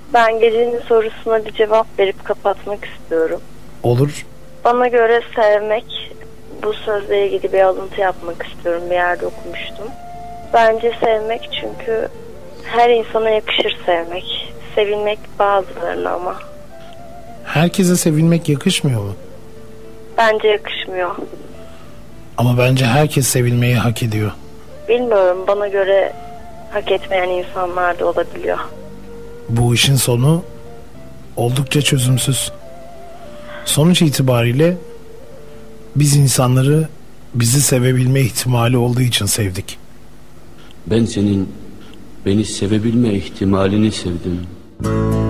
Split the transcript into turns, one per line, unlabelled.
Ben gecenin sorusuna bir cevap verip kapatmak istiyorum.
Olur.
Bana göre sevmek, bu sözle ilgili bir alıntı yapmak istiyorum. Bir yerde okumuştum. Bence sevmek, çünkü her insana yakışır sevmek. Sevilmek bazılarına ama.
Herkese sevilmek yakışmıyor mu?
Bence yakışmıyor.
Ama bence herkes sevilmeyi hak ediyor.
Bilmiyorum, bana göre hak etmeyen insanlar da olabiliyor.
Bu işin sonu oldukça çözümsüz. Sonuç itibariyle biz insanları bizi sevebilme ihtimali olduğu için sevdik.
Ben senin beni sevebilme ihtimalini sevdim.